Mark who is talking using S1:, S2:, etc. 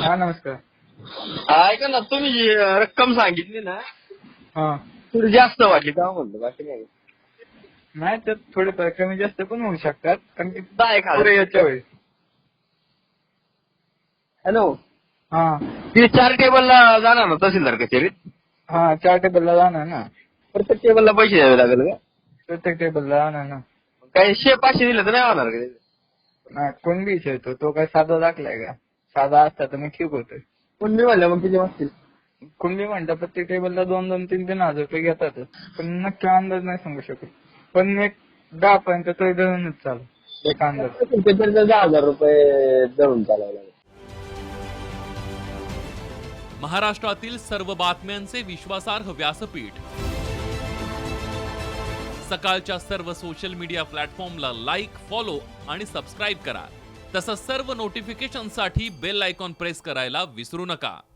S1: हा नमस्कार.
S2: ऐका ना, तुम्ही जी रक्कम सांगितली ना
S1: हा
S2: थोडी जास्त वाटली का म्हणतो, बाकी नाही.
S1: नाही त्यात थोडेफार कमी जास्त पण होऊ शकतात कारण की
S2: 10,000
S1: पुढे याच्या वेळी.
S2: हॅलो,
S1: हा
S2: ती 4 टेबलला जाणार ना तहसीलदार कचेरीत?
S1: हा 4 टेबलला जाणार ना.
S2: प्रत्येक टेबलला पैसे द्यावे लागेल का?
S1: प्रत्येक टेबलला जाणार ना.
S2: काही 500 दिले तर नाही होणार का?
S1: नाही कोण बी विचारतो तो काय साधा दाखलाय का? साधा असता तर मी ठीक होतोय.
S2: पण मी म्हणलं मग किती वाजतील?
S1: कुणबी म्हणता प्रत्येक टेबलला 2-2, 3-3 हजार रुपये घेतातच. पण नक्की अंदाज नाही सांगू शकत. पण एक 10 पर्यंत तरी धरूनच चालू एक अंदाज.
S2: तर 10,000 रुपये धरून चालावं लागेल.
S3: महाराष्ट्रातील सर्व बातम्यांचे विश्वासार्ह व्यासपीठ. सकाळच्या सर्व सोशल मीडिया प्लॅटफॉर्मला लाईक, फॉलो आणि सबस्क्राईब करा. तसंच सर्व नोटिफिकेशनसाठी बेल आयकॉन प्रेस करायला विसरू नका.